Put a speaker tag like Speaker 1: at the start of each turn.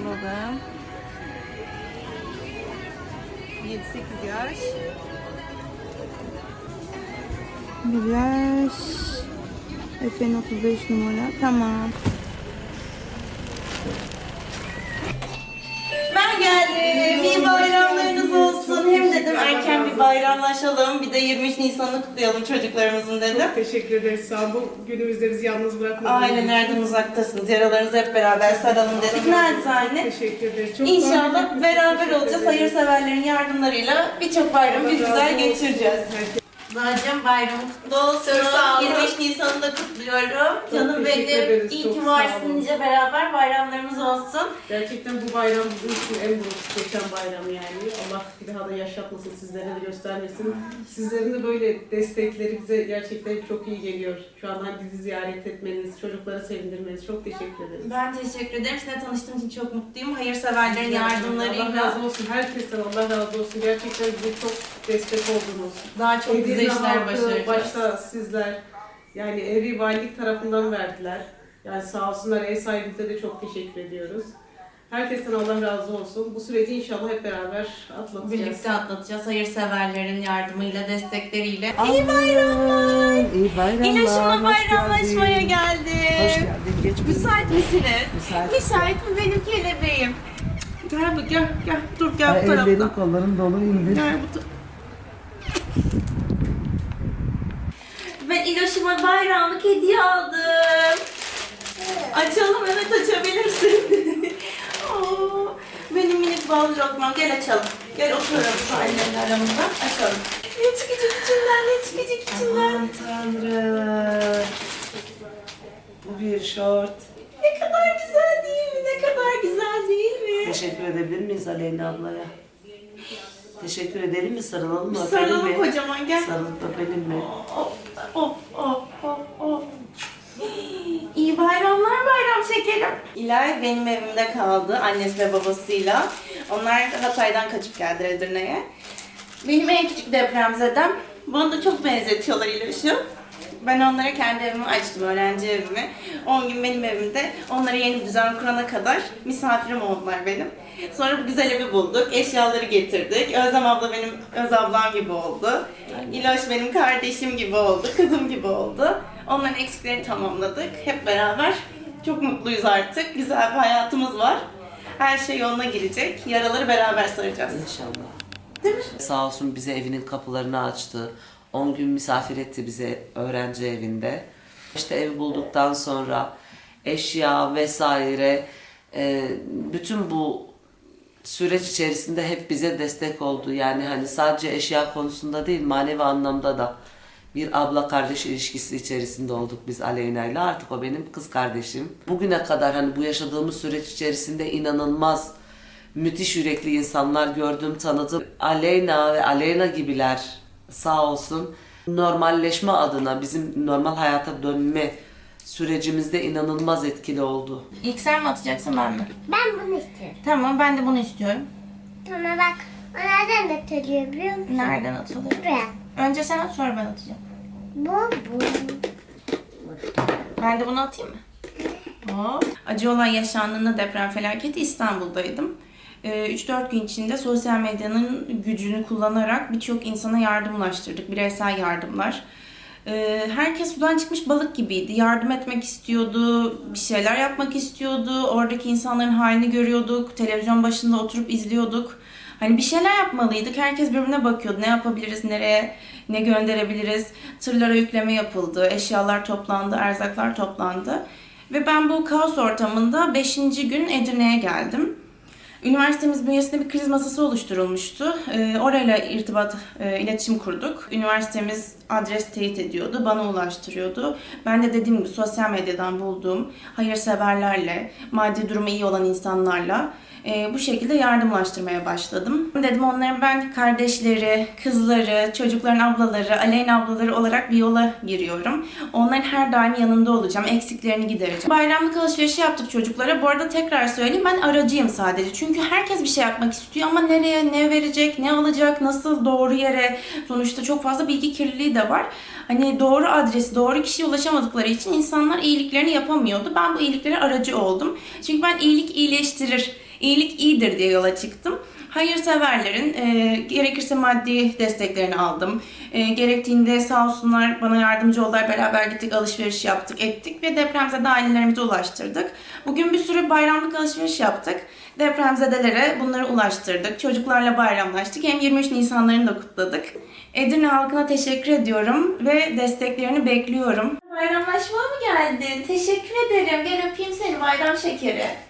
Speaker 1: alalım. 7-8 yaş. 1 yaş. Efe'nin 35 numara. Tamam. Ben geldim. İyi bayramlarınız olsun. Hem dedim erken bir bayramlaşalım. Bir de 23 Nisan'ı kutlayalım çocuklarımızın dedim.
Speaker 2: Çok teşekkür ederiz. Sağ olun. Bu günümüzde bizi yalnız bırakmadınız.
Speaker 1: Aynen, nereden uzaktasınız? Yaralarınızı hep beraber saralım dedik. Naçizane.
Speaker 2: Teşekkür ederiz. Çok
Speaker 1: İnşallah beraber olacağız. Hayırseverlerin yardımlarıyla birçok bayramı bir güzel geçireceğiz. Nacım, bayramı kutlu olsun. 23 Nisan'ı da kutluyorum. Canım
Speaker 2: teşekkür
Speaker 1: benim.
Speaker 2: ederiz,
Speaker 1: İyi
Speaker 2: çok
Speaker 1: ki
Speaker 2: sağ
Speaker 1: varsın,
Speaker 2: olun.
Speaker 1: nice beraber bayramlarımız olsun.
Speaker 2: Gerçekten bu bayram bizim için en büyük geçen bayram yani. Allah bir daha da yaşatmasın, sizlere de göstermesin. Sizlerin de böyle destekleri bize gerçekten çok iyi geliyor. Şu an bizi ziyaret etmeniz, çocukları sevindirmeniz çok teşekkür ederiz.
Speaker 1: Ben teşekkür ederim. Sizinle tanıştığım için çok mutluyum. Hayırseverlerin yardımlarıyla.
Speaker 2: Allah razı olsun. Herkesten Allah razı olsun. Gerçekten bize çok destek oldunuz.
Speaker 1: Daha çok güzel
Speaker 2: Edirne
Speaker 1: işler
Speaker 2: halkı,
Speaker 1: başaracağız.
Speaker 2: başta sizler, yani evi valilik tarafından verdiler. Yani sağ olsunlar, ev sahibimize de çok teşekkür ediyoruz. Herkesten Allah razı olsun. Bu süreci inşallah hep beraber atlatacağız.
Speaker 1: Birlikte atlatacağız. Hayırseverlerin yardımıyla, destekleriyle.
Speaker 3: İyi bayramlar. İyi bayramlar.
Speaker 1: İlaçımla
Speaker 3: hoş
Speaker 1: bayramlaşmaya
Speaker 3: geldin.
Speaker 1: geldim.
Speaker 3: Hoş geldin. Geç buyurun.
Speaker 1: Müsait misiniz?
Speaker 3: Müsait.
Speaker 1: Müsait mi benim kelebeğim? Gel bu, gel, gel. Dur, gel bu
Speaker 3: Ellerin
Speaker 1: taraftan.
Speaker 3: kolların dolu indir.
Speaker 1: Gel bu Ben İloş'uma bayramlık hediye aldım. Açalım, evet açabilirsin. Oo, benim minik bal lokmam. Gel açalım. Gel oturalım şu annemle aramızda. Açalım. Ne çıkacak içinden, ne çıkacak içinden?
Speaker 3: Aman tanrım. Bu bir şort.
Speaker 1: Ne kadar güzel değil mi? Ne kadar güzel değil mi?
Speaker 3: Teşekkür edebilir miyiz Aleyna ablaya? Teşekkür edelim mi? Sarılalım mı?
Speaker 1: Sarılalım
Speaker 3: öpelim mi?
Speaker 1: kocaman, gel.
Speaker 3: Sarılıp öpelim mi?
Speaker 1: Of, of, of, of, of. İyi bayramlar bayram şekerim. İlay benim evimde kaldı annesi ve babasıyla. Onlar Hatay'dan kaçıp geldiler Edirne'ye. Benim en küçük depremzedem. Bana da çok benzetiyorlar İlay'ı. Ben onlara kendi evimi açtım, öğrenci evimi. 10 gün benim evimde, onlara yeni bir düzen kurana kadar misafirim oldular benim. Sonra bu güzel evi bulduk, eşyaları getirdik. Özlem abla benim öz ablam gibi oldu. İloş benim kardeşim gibi oldu, kızım gibi oldu. Onların eksiklerini tamamladık. Hep beraber çok mutluyuz artık. Güzel bir hayatımız var. Her şey yoluna girecek. Yaraları beraber saracağız.
Speaker 3: İnşallah.
Speaker 1: Değil mi?
Speaker 3: Sağ olsun bize evinin kapılarını açtı. 10 gün misafir etti bize öğrenci evinde. İşte ev bulduktan sonra eşya vesaire bütün bu süreç içerisinde hep bize destek oldu. Yani hani sadece eşya konusunda değil, manevi anlamda da bir abla kardeş ilişkisi içerisinde olduk biz Aleyna'yla. Artık o benim kız kardeşim. Bugüne kadar hani bu yaşadığımız süreç içerisinde inanılmaz müthiş yürekli insanlar gördüm, tanıdım. Aleyna ve Aleyna gibiler sağ olsun normalleşme adına bizim normal hayata dönme sürecimizde inanılmaz etkili oldu.
Speaker 1: İlk sen mi atacaksın, ben mi?
Speaker 4: Ben bunu istiyorum.
Speaker 1: Tamam, ben de bunu istiyorum.
Speaker 4: Tamam bak. O nereden atılıyor biliyor musun?
Speaker 1: Nereden atılıyor?
Speaker 4: Buraya.
Speaker 1: Önce sen at, sonra ben atacağım.
Speaker 4: Bu.
Speaker 1: Ben de bunu atayım mı? Hop. Acı olay yaşandığında deprem felaketi İstanbul'daydım. 3-4 gün içinde sosyal medyanın gücünü kullanarak birçok insana yardım ulaştırdık. Bireysel yardımlar. Herkes sudan çıkmış balık gibiydi. Yardım etmek istiyordu, bir şeyler yapmak istiyordu. Oradaki insanların halini görüyorduk. Televizyon başında oturup izliyorduk. Hani bir şeyler yapmalıydık. Herkes birbirine bakıyordu. Ne yapabiliriz, nereye, ne gönderebiliriz. Tırlara yükleme yapıldı, eşyalar toplandı, erzaklar toplandı. Ve ben bu kaos ortamında 5. gün Edirne'ye geldim. Üniversitemiz bünyesinde bir kriz masası oluşturulmuştu. Orayla iletişim kurduk. Üniversitemiz adres teyit ediyordu, bana ulaştırıyordu. Ben de dediğim gibi sosyal medyadan bulduğum hayırseverlerle, maddi durumu iyi olan insanlarla bu şekilde yardımlaştırmaya başladım. Dedim onların ben kardeşleri, kızları, çocukların ablaları, Aleyna ablaları olarak bir yola giriyorum. Onların her daim yanında olacağım, eksiklerini gidereceğim. Bayramlık alışverişi yaptık çocuklara. Bu arada tekrar söyleyeyim, ben aracıyım sadece. Çünkü herkes bir şey yapmak istiyor ama nereye, ne verecek, ne alacak, nasıl doğru yere, sonuçta çok fazla bilgi kirliliği de var. Hani doğru adresi, doğru kişiye ulaşamadıkları için insanlar iyiliklerini yapamıyordu. Ben bu iyiliklere aracı oldum. Çünkü ben iyilik iyileştirir İyilik iyidir diye yola çıktım. Hayırseverlerin gerekirse maddi desteklerini aldım. Gerektiğinde sağ olsunlar bana yardımcı oldular. Beraber gittik, alışveriş yaptık, ettik ve depremzede ailelerimize ulaştırdık. Bugün bir sürü bayramlık alışveriş yaptık. Depremzedelere bunları ulaştırdık. Çocuklarla bayramlaştık. Hem 23 Nisanlarını da kutladık. Edirne halkına teşekkür ediyorum ve desteklerini bekliyorum. Bayramlaşmaya mı geldin? Teşekkür ederim. Gel öpeyim seni bayram şekeri.